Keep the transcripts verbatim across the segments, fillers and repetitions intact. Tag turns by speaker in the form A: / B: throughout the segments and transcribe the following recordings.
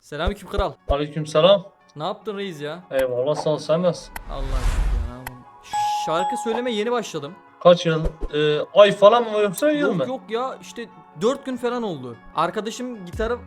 A: Selamünaleyküm kral.
B: Aleykümselam.
A: Ne yaptın reis ya?
B: Eyvallah, sağ ol, sen nasılsın?
A: Allah aşkına ya. Şarkı söyleme yeni başladım.
B: Kaç yıl? Ee, ay falan mı yoksa yıl
A: Yok
B: mı?
A: yok ya işte dört gün falan oldu. Arkadaşım gitarı...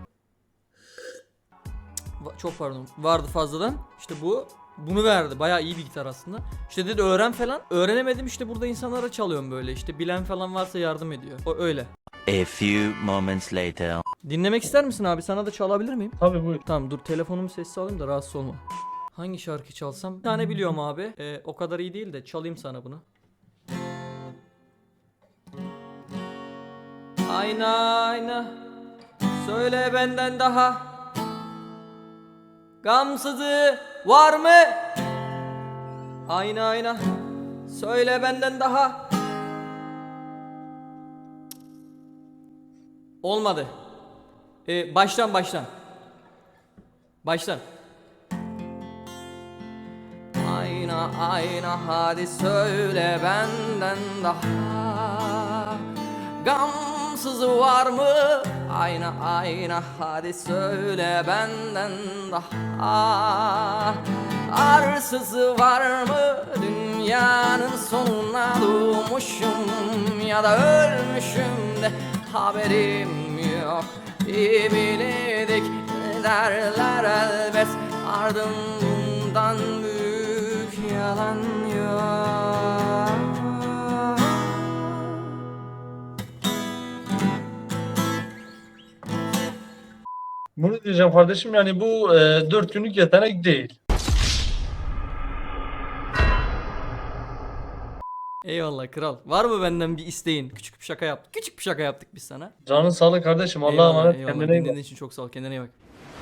A: Va- Çok pardon. Vardı fazladan. İşte bu bunu verdi. Bayağı iyi bir gitar aslında. İşte dedi öğren falan. Öğrenemedim, işte burada insanlara çalıyorum böyle. İşte bilen falan varsa yardım ediyor. O öyle.
C: A few moments later.
A: Dinlemek ister misin abi? Sana da çalabilir miyim?
B: Tabii, buyur.
A: Tamam dur, telefonumu sessiz alayım da rahatsız olma. Hangi şarkı çalsam? Bir tane biliyorum abi. Ee, o kadar iyi değil de çalayım sana bunu. Ayna ayna söyle benden daha gamsızı var mı? Ayna ayna söyle benden daha. Olmadı. Ee, baştan baştan. Baştan. Ayna ayna hadi söyle benden daha gamsızı var mı? Ayna ayna hadi söyle benden daha arsızı var mı? Dünyanın sonuna doğmuşum ya da ölmüşüm de haberim yok. İyi bildik derler elbet, ardından büyük yalan yok.
B: Bunu diyeceğim kardeşim, yani bu e, dört günlük yetenek değil.
A: Eyvallah kral. Var mı benden bir isteğin? Küçük bir şaka yaptık. Küçük bir şaka yaptık biz sana.
B: Canın sağlık kardeşim. Allah'a
A: Eyvallah,
B: emanet,
A: eyvallah.
B: kendine iyi
A: Dinlediğin
B: bak.
A: için çok sağ ol. Kendine iyi bak.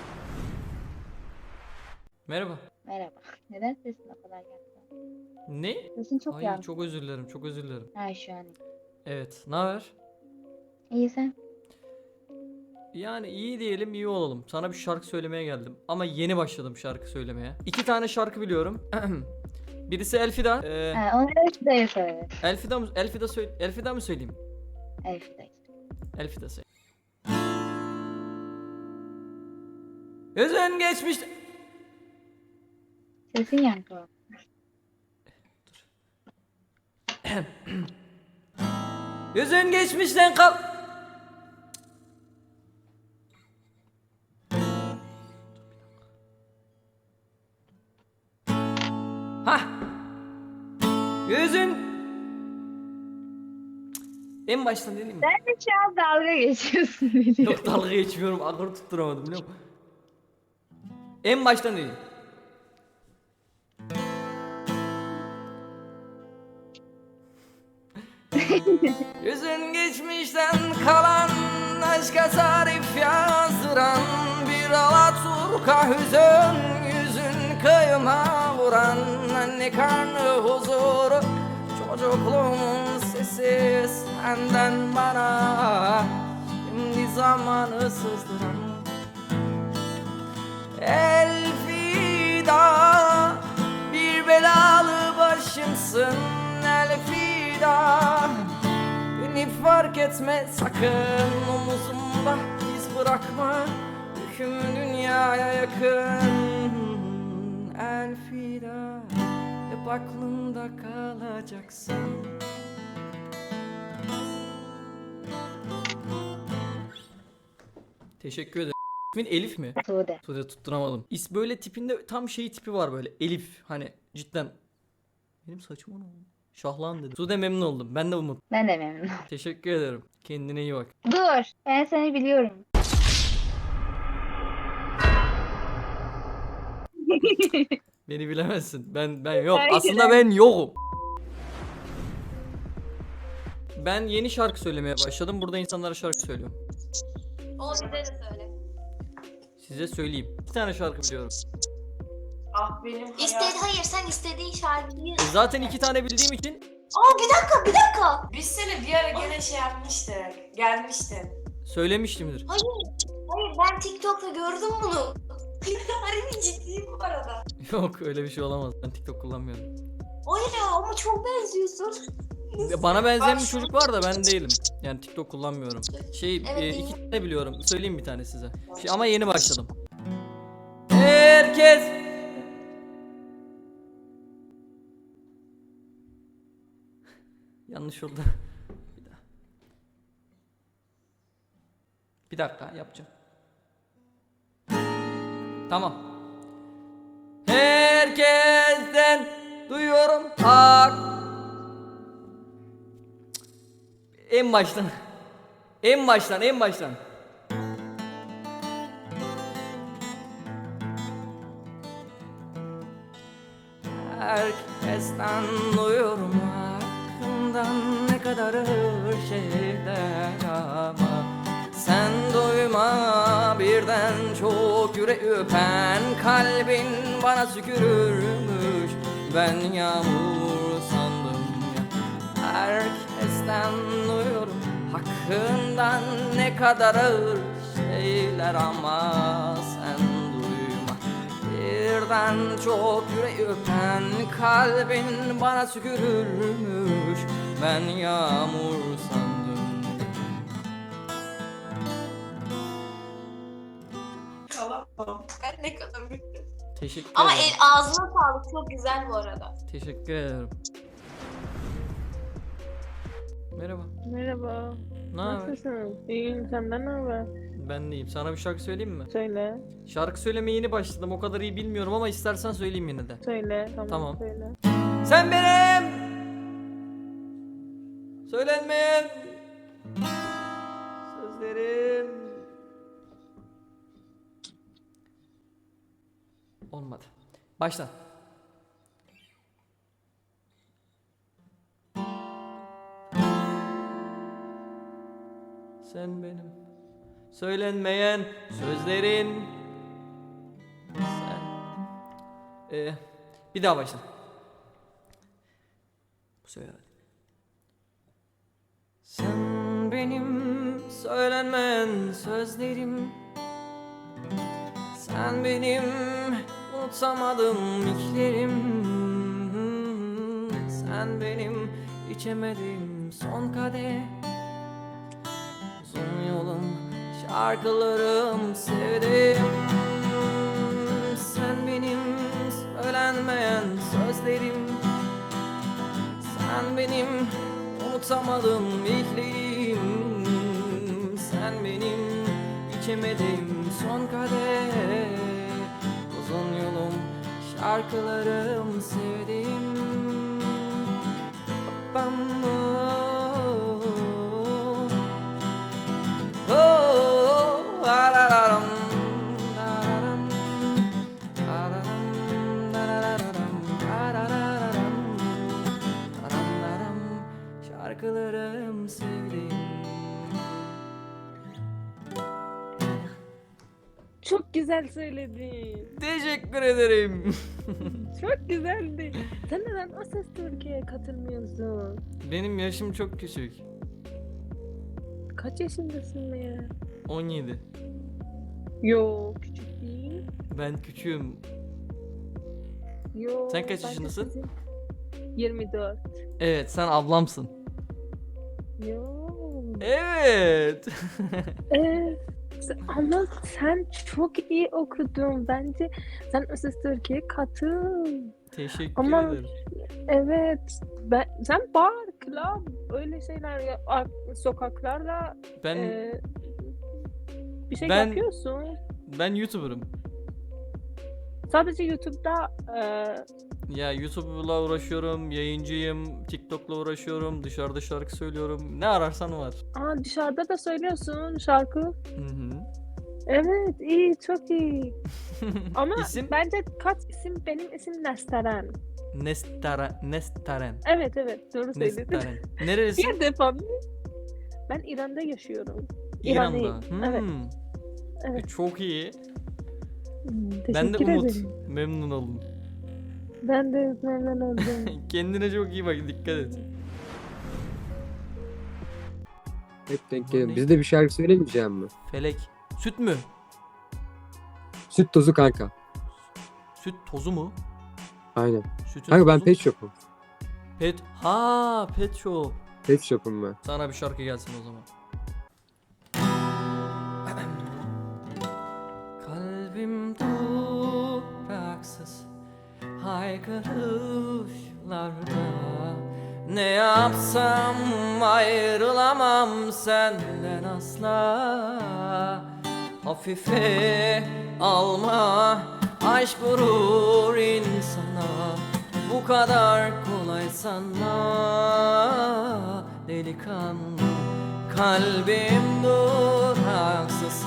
A: Merhaba.
D: Merhaba. Neden sesin o kadar yankı?
A: Ne?
D: Sesin çok
A: Ay
D: yankı.
A: çok özür dilerim. Çok özür dilerim.
D: Ha şu an.
A: Evet. Ne haber?
D: İyi sen?
A: Yani iyi diyelim, iyi olalım. Sana bir şarkı söylemeye geldim. Ama yeni başladım şarkı söylemeye. İki tane şarkı biliyorum. Birisi Elfida. Ee,
D: Ha, onu Elfida'ya söyle.
A: Elfida mı? Elfida söyle. Elfida mı söyleyeyim?
D: Elfida'ya.
A: Elfida söyle. Gözün geçmiş.
D: Sesin yankı var.
A: Gözün geçmişten kal. Hah. Gözün. En baştan deneyim mi?
D: Sen de şu an dalga geçiyorsun biliyorum.
A: Yok, dalga geçmiyorum. Akırı tutturamadım biliyor musun? En baştan deneyim. Gözün geçmişten kalan, aşka tarif yazdıran, bir Alaturka hüzün, yüzün kıyıma vuran, anne karnı huzuru, çocukluğumun sesi senden bana, şimdi zamanı sızdıran. Elfida, bir belalı başımsın Elfida, beni fark etme sakın, omuzumda iz bırakma, yüküm dünyaya yakın. Elfida, hep aklımda kalacaksın. Teşekkür ederim. İsmin Elif mi?
D: Tuğde.
A: Tuğde, tutturamadım. İs böyle tipinde tam şey tipi var böyle. Elif, hani cidden. Benim saçım ne oldu? Şahlan dedi. Tuğde, memnun oldum. Ben de Umut.
D: Ben de memnunum.
A: Teşekkür ederim. Kendine iyi bak.
D: Dur. Ben seni biliyorum.
A: Beni bilemezsin. Ben ben yok.
D: Hayır.
A: Aslında ben yokum. Ben yeni şarkı söylemeye başladım. Burada insanlara şarkı söylüyorum.
E: O bize de söyle.
A: Size söyleyeyim. Bir tane şarkı biliyorum.
E: Ah benim İstedi, hayır sen istediğin şarkıyı...
A: E zaten iki tane bildiğim için
E: Aa bir dakika bir dakika.
F: Biz seni bir ara gene şey yapmıştık. Gelmiştin.
A: söylemiştimdir.
E: Hayır. Hayır ben TikTok'ta gördüm bunu. Harbi ciddiyim bu arada.
A: Yok, öyle bir şey olamaz. Ben TikTok kullanmıyorum.
E: Hayır ya ama çok benziyorsun.
A: Bana benzeyen
F: Bak
A: bir
F: şu-
A: çocuk var da ben değilim. Yani TikTok kullanmıyorum. Şey
E: Evet,
A: e,
E: değil.
A: iki tane biliyorum. Söyleyeyim bir tane size. Şey, ama yeni başladım. Herkes yanlış oldu. Bir daha. Bir dakika yapacağım. Tamam. Herkesten duyuyorum hak. En baştan. En baştan, en baştan. Herkesten duyuyorum hakkından ne kadar ağır şeyler ama sen duyma birden çok yüreği öpen kalbin bana sükürürmüş ben yağmur sandım ya. Herkesten duyuyorum hakkından ne kadar ağır şeyler ama sen duyma birden çok yüreği öpen kalbin bana sükürürmüş ben yağmur sandım.
F: Tamam. Ben ne kadar büyüktüm.
A: Teşekkür
E: Ama
A: ederim.
E: el ağzına sağlık. Çok güzel bu arada.
A: Teşekkür ederim. Merhaba.
G: Merhaba.
A: Ne haber?
G: Nasılsın? İyiyim. Senden ne haber?
A: Ben deyim. Sana bir şarkı söyleyeyim mi?
G: Söyle.
A: Şarkı söylemeye yeni başladım. O kadar iyi bilmiyorum ama istersen söyleyeyim yine de.
G: Söyle. Tamam.
A: Tamam.
G: Söyle.
A: Sen benim söylenmeyen sözlerim. Olmadı. Başla. Sen benim söylenmeyen sözlerin. Sen. Ee, bir daha başla. Bu sefer hadi. Sen benim söylenmeyen sözlerim. Sen benim unutamadığım ilklerim. Sen benim içemediğim son kadeh. Uzun yolum şarkılarım sevdim. Sen benim söylenmeyen sözlerim. Sen benim unutamadığım ilklerim. Sen benim içemediğim son kadeh. Uzun yolum şarkılarım sevdim. Bam oh, oh, arararam, araram, araram, arararam, arararam, arararam, şarkılarım sevdim.
G: Çok güzel söyledin.
A: Teşekkür ederim.
G: Çok güzeldi. Sen neden O Ses Türkiye'ye katılmıyorsun?
A: Benim yaşım çok küçük.
G: Kaç yaşındasın ya?
A: on yedi.
G: Yo, küçük değil.
A: Ben küçüğüm.
G: Yo.
A: Sen kaç
G: ben
A: yaşındasın?
G: sizin- yirmi dört.
A: Evet, sen ablamsın.
G: Yo.
A: Evet.
G: Evet. Ama sen çok iyi okudun. Bence sen O Ses Türkiye'ye katıl.
A: Teşekkür
G: Ama-
A: ederim.
G: Evet. Ben, sen bar, club, öyle şeyler ya, ar- sokaklarda
A: Ben
G: e, bir şey
A: ben-
G: yapıyorsun.
A: ben YouTuber'ım.
G: Sadece YouTube'da e,
A: Ya YouTube'la uğraşıyorum, yayıncıyım, TikTok'la uğraşıyorum, dışarıda şarkı söylüyorum. Ne ararsan var.
G: aa, dışarıda da söylüyorsun şarkı.
A: Hı hı.
G: Evet, iyi, çok iyi. Ama
A: İsim?
G: bence kaç isim, benim isim Nesteren.
A: Nestara, Nestaren.
G: Evet, evet, doğru söyledin.
A: Nestaren. Nerelisin?
G: Bir defa mı? Ben İran'da yaşıyorum.
A: İran'da.
G: İranlıyım, evet.
A: Hmm.
G: Evet.
A: E, Çok iyi.
G: Hmm,
A: Ben de
G: teşekkür
A: Umut.
G: ederim.
A: Memnun oldum.
G: Ben de memnun oldum.
A: Kendine çok iyi bak, dikkat et.
H: Hep denk
A: Bu
H: geliyor.
A: ne?
H: Biz de bir şarkı söylemeyeceğim mi?
A: Felek. Süt mü?
H: Süt tozu kanka.
A: Süt tozu mu?
H: Aynen.
A: Sütün
H: Kanka ben
A: tozu mu?
H: pet shop'um.
A: Pet. Ha, pet shop.
H: Pet shop'um ben.
A: Sana bir şarkı gelsin o zaman. Kalbim haksız haykırışlarda. Ne yapsam ayrılamam senden asla. Hafife alma, aşk vurur insana. Bu kadar kolay sanma delikanlı. Kalbim duraksız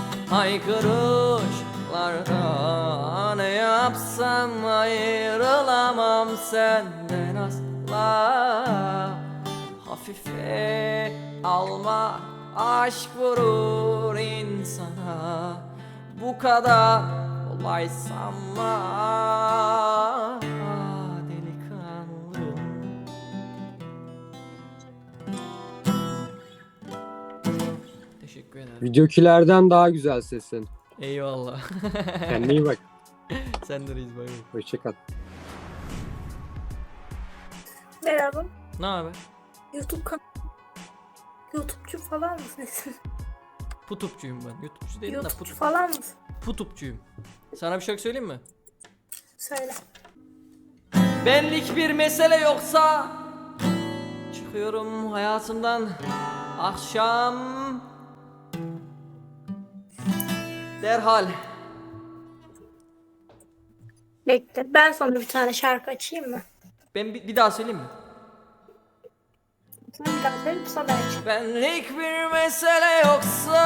A: haykırışlarda. Ne yapsam ayrılamam senden asla. Hafife alma, aşk vurur insana. Bu kadar kolay sanma delikanlı. Teşekkür ederim.
H: Videokilerden daha güzel sesin.
A: Eyvallah.
H: Kendine iyi bak.
A: Sen de reis, bay bay.
H: Hoşçakal.
I: Merhaba.
A: Ne haber?
I: YouTube kan YouTube'cu falan mısın?
A: Putupçuyum ben. YouTube'cu değilim de
I: YouTube'cu
A: putup.
I: falan mısın?
A: Putupçuyum. Sana bir şarkı söyleyeyim mi?
I: Söyle.
A: Benlik bir mesele yoksa çıkıyorum hayatından akşam derhal.
I: Bekle. Ben sana bir tane şarkı açayım mı?
A: Ben bir, bir daha söyleyeyim mi?
I: Sen bir daha söyle, sonra ben açayım.
A: Benlik bir mesele yoksa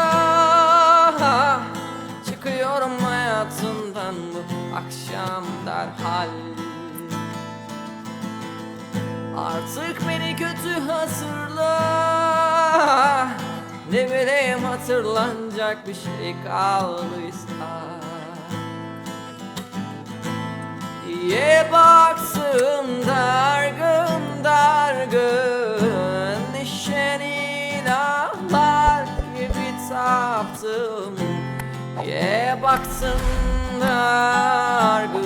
A: çıkıyorum hayatından bu akşam derhal. Artık beni kötü hatırla, ne bileyim hatırlanacak bir şey kaldıysa. İyiye baksın dargın dargın, neşeni ağlar gibi taptım. İyiye baksın dargın